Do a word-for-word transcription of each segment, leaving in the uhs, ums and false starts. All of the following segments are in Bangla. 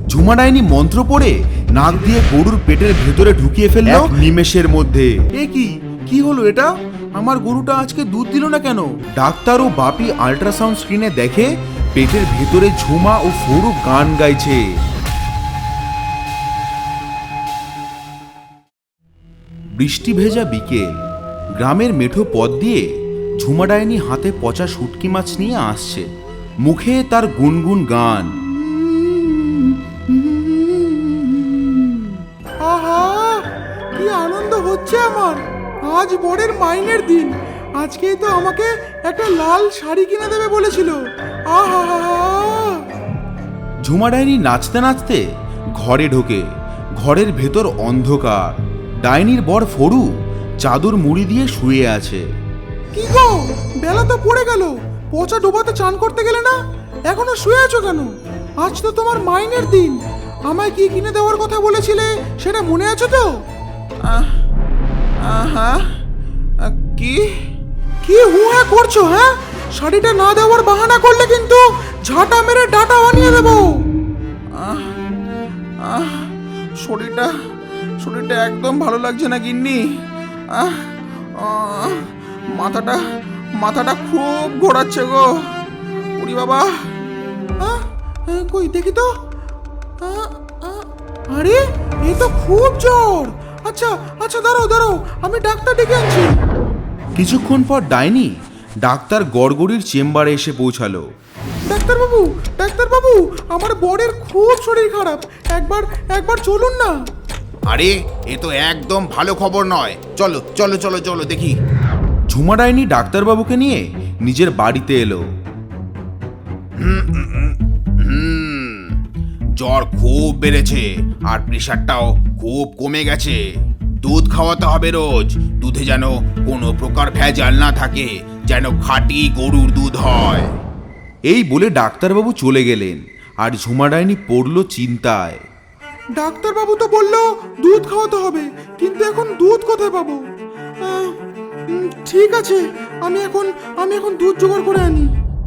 ঝুমা ডাইনি মন্ত্র পড়ে নাক দিয়ে গরুর পেটের ভেতরে ঢুকিয়ে ফেললো নিমেষের মধ্যে। এ কি কি হলো এটা? আমার গরুটা আজকে দুধ দিল না কেন? ডাক্তার ও বাপি আল্ট্রাসাউন্ড স্ক্রিনে দেখে পেটের ভেতরে ঝুমা ও ফরু গান গাইছে। বৃষ্টি ভেজা বিকেল, গ্রামের মেঠো পথ দিয়ে ঝুমা ডাইনি হাতে পচা শুটকি মাছ নিয়ে আসছে, মুখে তার গুনগুন গান। আহা, কি আনন্দ হচ্ছে আমার! আজ বরের মাইনের দিন। আজকেই তো আমাকে একটা লাল শাড়ি কিনে দেবে বলেছিল। আহা, ঝুমা ডাইনি নাচতে নাচতে ঘরে ঢোকে। ঘরের ভেতর অন্ধকার। ডাইনির বর ফরু চাদর মুড়ি দিয়ে শুয়ে আছে। কি গো, বেলা তো পড়ে গেল। পচা ডোবাতে চান করতে গেলে না? এখনো শুয়ে আছো কেন? আজ তো তোমার মাইনের দিন। আমায় কি কিনে দেওয়ার কথা বলেছিলে সেটা মনে আছে তো? আহা, কি কি হুয়া করছো? হ্যাঁ, শাড়িটা না দেওয়ার বাহানা করলে কিন্তু ঝাঁটা মেরে ডাটা বানিয়ে দেবো। শরীরটা শরীরটা একদম ভালো লাগছে না গিন্নি। আহ আহ, মাথাটা মাথাটা খুব ঘোরাচ্ছে গো। ওরে বাবা! আহ, আহ, কই দেখি তো। আহ, আহ, আরে এই তো খুব জ্বর। আচ্ছা আচ্ছা, দাঁড়াও দাঁড়াও, আমি ডাক্তার ডেকে আনছি। কিছুক্ষণ পর ডাইনি ডাক্তার গড়গড়ির চেম্বারে এসে পৌঁছালো। ডাক্তারবাবু, ডাক্তারবাবু, আমার বরের খুব শরীর খারাপ। একবার একবার চলুন না। আরে এ তো একদম ভালো খবর নয়। চলো চলো চলো চলো দেখি। ঝুমা ডাইনি ডাক্তারবাবুকে নিয়ে নিজের বাড়িতে এলো। হুম, জ্বর খুব বেড়েছে আর প্রেশারটাও খুব কমে গেছে। দুধ খাওয়াতে হবে রোজ। দুধে যেন কোনো প্রকার ভেজাল না থাকে, যেন খাঁটি গরুর দুধ হয়। এই বলে ডাক্তারবাবু চলে গেলেন আর ঝুমা ডাইনি পড়ল চিন্তায়। ডাক্তারবাবু তো বললো দুধ খাওয়াতে হবে, কিন্তু এখন দুধ কোথায় পাবো? আহ, উম, ঠিক আছে, আমি এখন আমি এখন দুধ জোগাড় করে আনি।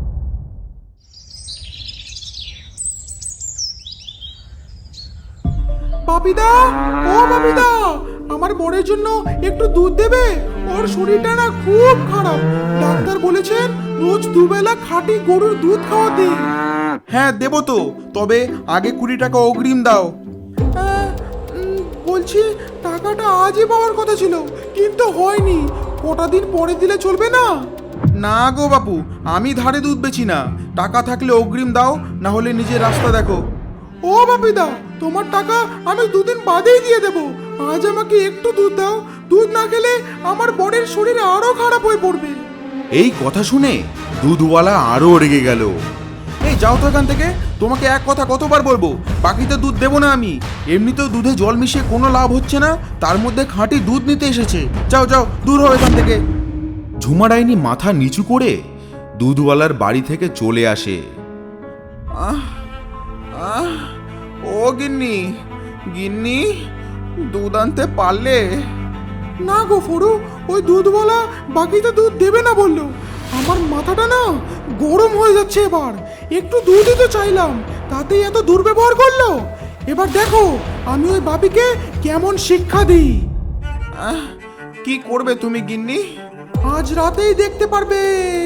বাপিদা, ও বাপিদা, আমার বরের জন্য একটু দুধ দেবে? ওর শরীরটা না খুব খারাপ। ডাক্তার বলেছেন রোজ দুবেলা খাঁটি গরুর দুধ খাওয়াতে। হ্যাঁ দেবো তো, তবে আগে কুড়ি টাকা অগ্রিম দাও। আহ, উম, বলছি টাকাটা আজই পাওয়ার কথা ছিল, কিন্তু হয়নি। কটা দিন পরে দিলে চলবে না? না গো বাপু, আমি ধারে দুধ বেচি না। টাকা থাকলে অগ্রিম দাও, না হলে নিজের রাস্তা দেখো। ও বাপিদা, তোমার টাকা আমি দুদিন বাদেই দিয়ে দেবো। আজ আমাকে একটু দুধ দাও। দুধ না খেলে আমার বরের শরীর আরো খারাপ হয়ে পড়বে। এই কথা শুনে দুধওয়ালা আরো রেগে গেল। এই যাও তো এখান থেকে, তোমাকে এক কথা কতবার বলবো, বাকিতে দুধ দেবো না আমি। এমনিতেও দুধে জল মিশিয়ে কোনো লাভ হচ্ছে না, তার মধ্যে খাঁটি দুধ নিতে এসেছে। যাও যাও, দূর হও এখান থেকে। ঝুমা ডাইনি মাথা নিচু করে দুধওয়ালার বাড়ি থেকে চলে আসে। আহ আহ, ও গিন্নি, গিন্নি, দুধ আনতে পারলে? না গো ফরু, ওই দুধওয়ালা বাকিতে দুধ দেবে না বললো। আমার মাথাটা না গরম হয়ে যাচ্ছে এবার। একটু দুধই তো চাইলাম, তাতেই এত দুর্ব্যবহার করলো। এবার দেখো আমি ওই বাপিকে কেমন শিক্ষা দিই। আহ, কি করবে তুমি গিন্নি? আজ রাতেই দেখতে পারবে।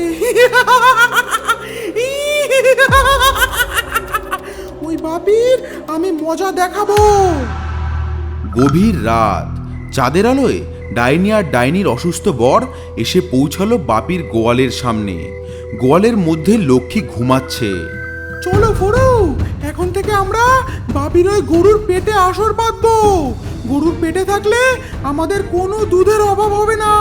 ওই বাপির আমি মজা দেখাবো। গভীর রাত, চাঁদের আলোয় ডাইনি আর ডাইনির অসুস্থ বর এসে পৌঁছালো বাপির গোয়ালের সামনে। গোয়ালের মধ্যে লক্ষ্মী ঘুমাচ্ছে। চলো ফরু, এখন থেকে আমরা বাপির ওই গরুর পেটে আসর বাঁধবো। গরুর পেটে থাকলে আমাদের কোনো দুধের অভাব হবে না।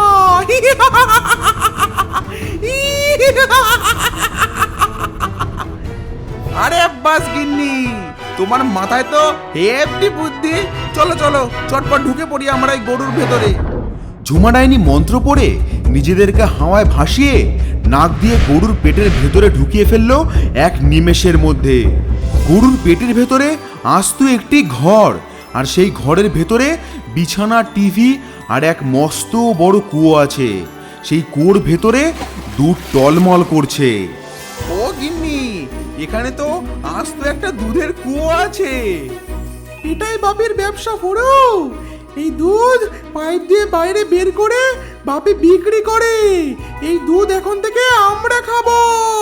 আরে বাস গিন্নি, তোমার মাথায় তো হেভি বুদ্ধি। চলো চলো, চটপট ঢুকে পড়ি আমরা এই গরুর ভেতরে। ঝুমা ডাইনি মন্ত্র পড়ে নিজেদেরকে হাওয়ায় ভাসিয়ে নাক দিয়ে গরুর পেটের ভেতরে ঢুকিয়ে ফেললো এক নিমেষের মধ্যে। গরুর পেটের ভেতরে আস্ত একটি ঘর, আর সেই ঘরের ভেতরে বিছানা, টিভি আর এক মস্ত বড় কুয়ো আছে। সেই কুয়োর ভেতরে দুধ টলমল করছে। ও গিন্নি, এখানে তো আজ তো একটা দুধের কুয়ো আছে। এটাই বাপির ব্যবসা ফোড়ো। এই দুধ পাইপ দিয়ে বাইরে বের করে বাপি বিক্রি করে। এই দুধ এখন থেকে আমরা খাবো।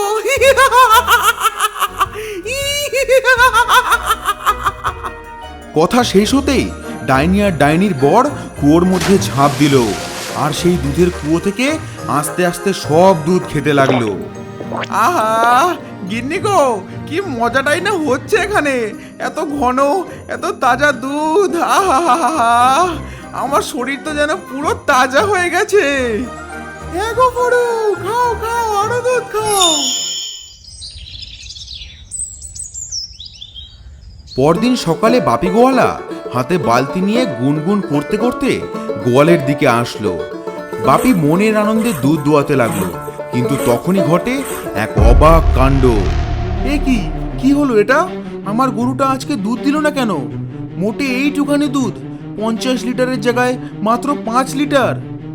কথা শেষ হতেই ডাইনি আর ডাইনির বর কুয়োর মধ্যে ঝাঁপ দিল, আর সেই দুধের কুয়ো থেকে আস্তে আস্তে সব দুধ খেতে লাগলো। আহা গিন্নি গো, কি মজাটাই না হচ্ছে এখানে, এত ঘন এত তাজা দুধ। আহা আমার শরীর তো যেন পুরো তাজা হয়ে গেছে। হ্যাঁ গো ফোড়ো, খাও খাও, আরো দুধ খাও। পরদিন সকালে বাপি গোয়ালা হাতে বালতি নিয়ে গুনগুন করতে করতে গোয়ালের দিকে আসলো। বাপি মনের আনন্দে দুধ দোয়াতে লাগলো, কিন্তু তখনই ঘটে এক অবাক কাণ্ড। এ কি কি হলো এটা? আমার গরুটা আজকে দুধ দিল না কেন? মোটে এইটুখানি দুধ, পঞ্চাশ লিটারের জায়গায় মাত্র পাঁচ লিটার।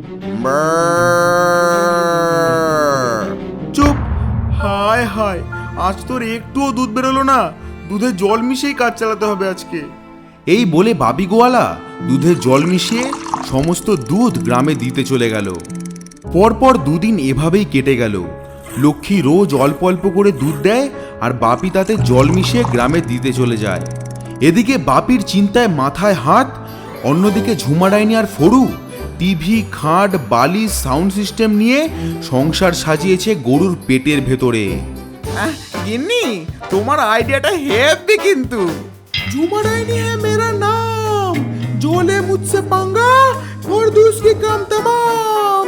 চুপ! হায় হায়, আজ তোর একটুও দুধ বেরোলো না। দুধে জল মিশিয়েই কাজ চালাতে হবে আজকে। এই বলে বাপি গোয়ালা দুধে জল মিশিয়ে সমস্ত দুধ গ্রামে দিতে চলে গেল। পরপর দুদিন এভাবেই কেটে গেল। লক্ষ্মী রোজ অল্প অল্প করে দুধ দেয়, আর বাপি তাতে জল মিশিয়ে গ্রামে দিতে চলে যায়। এদিকে বাপির চিন্তায় মাথায় হাত, অন্যদিকে ঝুমা ডাইনি আর ফড়ু টিভি, খাট, বালিশ, সাউন্ড সিস্টেম নিয়ে সংসার সাজিয়েছে গরুর পেটের ভেতরে। গিন্নি, তোমার আইডিয়াটা হেভি কিন্তু। झूमा डायनी है मेरा नाम, जो ले मुझसे पंगा और दूसरी काम तमाम।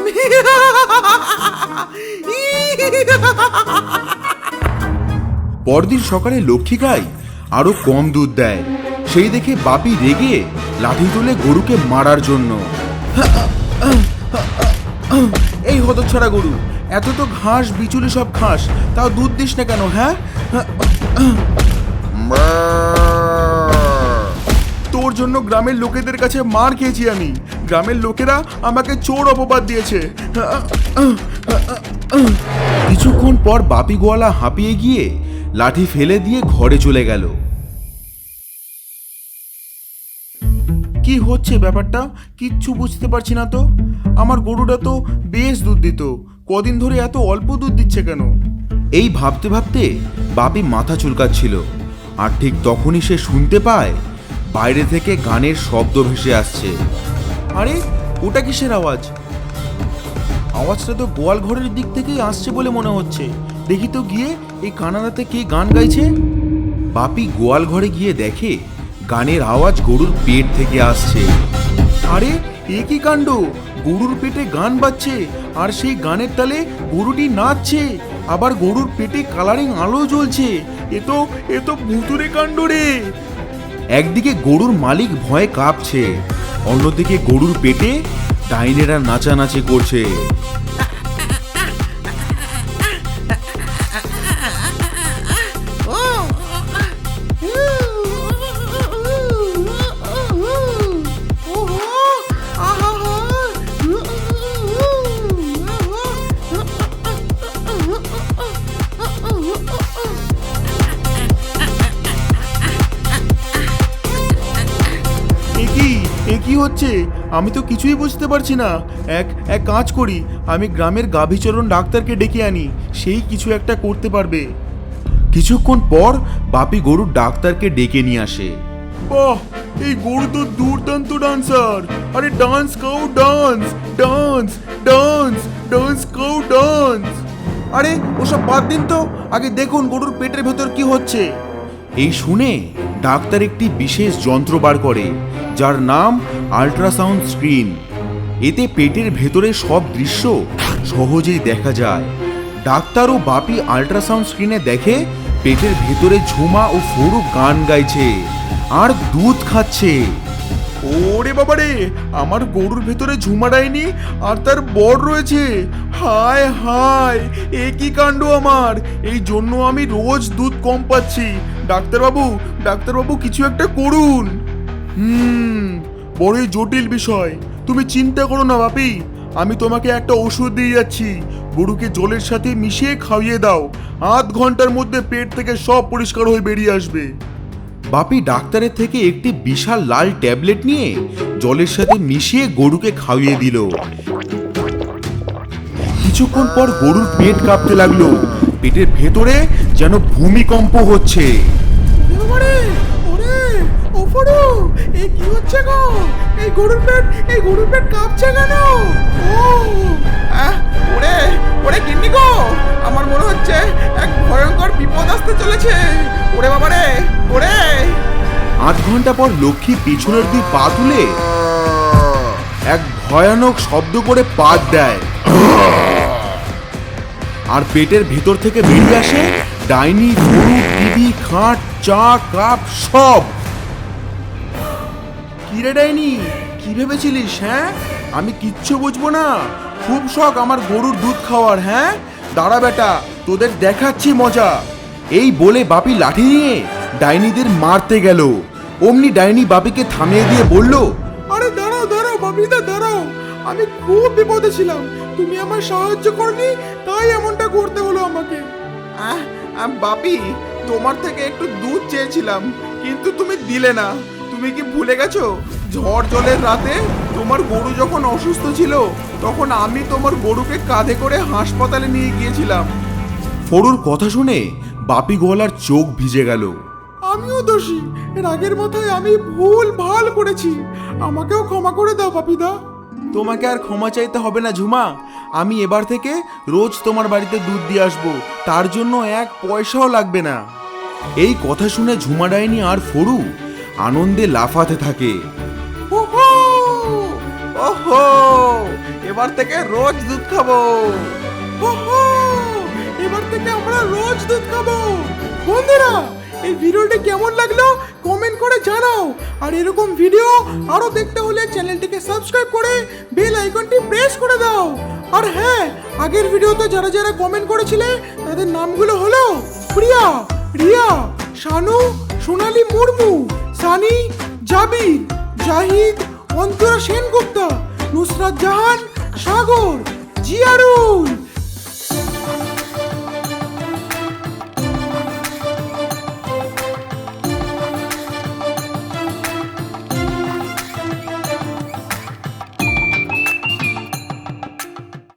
পরদিন সকালে লক্ষ্মী গাই আরো কম দুধ দেয়। সেই দেখে বাপি রেগে লাঠি তুলে গরুকে মারার জন্য। এই হতচ্ছাড়া গরু, এত তো ঘাস বিচুলি সব ঘাস, তাও দুধ দিস না কেন? হ্যাঁ, তোর জন্য গ্রামের লোকেদের কাছে মার খেয়েছি আমি। গ্রামের লোকেরা আমাকে চোর অপবাদ দিয়েছে। কিছুক্ষণ পর বাপি গোয়ালা হাঁপিয়ে গিয়ে লাঠি ফেলে দিয়ে ঘরে চলে গেল। কি হচ্ছে ব্যাপারটা কিচ্ছু বুঝতে পারছি না তো। আমার গরুটা তো বেশ দুধ দিত, কদিন ধরে এত অল্প দুধ দিচ্ছে কেন? এই ভাবতে ভাবতে বাপি মাথা চুলকাচ্ছিল, আর ঠিক তখনই সে শুনতে পায় বাইরে থেকে গানের শব্দ ভেসে আসছে। আরে ওটা কিসের আওয়াজ? আওয়াজটা তো গোয়াল ঘরের দিক থেকেই আসছে বলে মনে হচ্ছে। দেখি তো গিয়ে এই কানাডাতে কে গান গাইছে। বাপি গোয়াল ঘরে গিয়ে দেখে গানের আওয়াজ গরুর পেট থেকে আসছে। আরে এ কি কাণ্ড! গরুর পেটে গান বাজছে, আর সেই গানের তালে গরুটি নাচছে, আবার গরুর পেটে কালারিং আলো জ্বলছে। এ তো এ তো ভুতুরে কাণ্ড রে। একদিকে গরুর মালিক ভয়ে কাঁপছে, অন্যদিকে গরুর পেটে ডাইনেরা নাচানাচি করছে। কি হচ্ছে আমি তো কিছুই বুঝতে পারছি না। এক এক কাজ করি, আমি গ্রামের গাভীচরণ ডাক্তারকে ডেকে আনি, সেই কিছু একটা করতে পারবে। কিছুক্ষণ পর বাপি গরুর ডাক্তারকে ডেকে নিয়ে আসে। বাহ, এই গরু তো দুর্দান্ত ডান্সার। আরে dance cow dance, dance dance dance cow dance. আরে ওসব বাদ দিন তো, আগে দেখুন গরুর পেটের ভেতর কি হচ্ছে। এই শুনে ডাক্তার একটি বিশেষ যন্ত্র বার করে, যার নাম আল্ট্রাসাউন্ড স্ক্রিন। এতে পেটের ভেতরে সব দৃশ্য সহজেই দেখা যায়। ডাক্তার ও বাপি আল্ট্রাসাউন্ড স্ক্রিনে দেখে পেটের ভেতরে ঝুমা ও ফড়ু গান গাইছে আর দুধ খাচ্ছে। ওরে বাবারে, আমার গরুর ভেতরে ঝুমা ডাইনি আর তার বর রয়েছে। হায় হায়, এ কি কাণ্ড আমার! এই জন্য আমি রোজ দুধ কম পাচ্ছি। ডাক্তারবাবু, ডাক্তারবাবু কিছু একটা করুন। হুম বড়ই জটিল বিষয়। তুমি চিন্তা করো না বাপি, আমি তোমাকে একটা ওষুধ দিয়ে যাচ্ছি। গরুকে জলের সাথে মিশিয়ে খাইয়ে দাও। আধ ঘন্টার মধ্যে পেট থেকে সব পরিষ্কার হয়ে বেরিয়ে আসবে। বাপি ডাক্তারের থেকে একটি বিশাল লাল ট্যাবলেট নিয়ে জলের সাথে মিশিয়ে গরুকে খাইয়ে দিল। কিছুক্ষণ পর গরুর পেট কাঁপতে লাগলো, পেটের ভেতরে যেন ভূমিকম্প হচ্ছে। ওরে ওরে ও ফড়ু, এই কি হচ্ছে গো? এই গরুর পেট এই গরুর পেট কাঁপছে কেন? ও আহ, ওরে ওরে গিন্নি গো, আমার মনে হচ্ছে এক ভয়ঙ্কর বিপদ আসতে চলেছে। ওরে বাবা রে, ওরে আধ ঘন্টা পর লক্ষ্মী পিছনের দুই পা তুলে এক ভয়ানক শব্দ করে পাত দেয়, আর পেটের ভেতর থেকে বেরিয়ে আসে ডাইনি, গরু, টিভি, খাট, চা, কাপ সব। কিরে ডাইনি, কি ভেবেছিলিস? হ্যাঁ, আমি কিচ্ছু বুঝবো না? খুব শখ আমার গরুর দুধ খাওয়ার। হ্যাঁ, দাঁড়া বেটা, তোদের দেখাচ্ছি মজা। এই বলে বাপি লাঠি নিয়ে ডাইনিদের মারতে গেল। অমনি ডাইনি বাপিকে থামিয়ে দিয়ে বলল, আরে দাঁড়াও দাঁড়াও বাবিদা দাঁড়াও, আমি খুব বিপদে ছিলাম, তুমি আমার সাহায্য করনি, তাই এমনটা করতে হলো আমাকে। আহ, আহ, বাপি, তোমার থেকে একটু দুধ চেয়েছিলাম, কিন্তু তুমি দিলে না। তুমি কি ভুলে গেছো ঝড় জলের রাতে তোমার গরু যখন অসুস্থ ছিল, তখন আমি তোমার গরুকে কাঁধে করে হাসপাতালে নিয়ে গিয়েছিলাম। ফড়ুর কথা শুনে বাপি গোয়ালার চোখ ভিজে গেল। আমিও দোষী, রাগের মাথায় আমি ভুল ভাল করেছি, আমাকেও ক্ষমা করে দাও বাপিদা। তোমাকে আর ক্ষমা চাইতে হবে না ঝুমা, আমি এবার থেকে রোজ তোমার বাড়িতে দুধ দিয়ে আসবো, তার জন্য এক পয়সাও লাগবে না। এই কথা শুনে ঝুমা ডাইনি আর ফড়ু আনন্দে লাফাতে থাকে। ওহো ওহো, এবার থেকে রোজ দুধ খাবো। ওহো, এবার থেকে আমরা রোজ দুধ খাবো। বন্ধুরা, এই ভিডিওটি কেমন লাগলো কমেন্ট করে জানাও, আর এরকম ভিডিও আরো দেখতে হলে চ্যানেলটিকে সাবস্ক্রাইব করে বেল আইকনটি প্রেস করে দাও। আর হ্যাঁ, আগের ভিডিওতে যারা যারা কমেন্ট করেছিলে তাদের নামগুলো হলো প্রিয়া, রিয়া, শানু, সোনালী মুর্মু, সানি, জাবির, জাহিদ, অন্তরা সেনগুপ্তা, নুসরাত জাহান, সাগর, জিয়ারুল।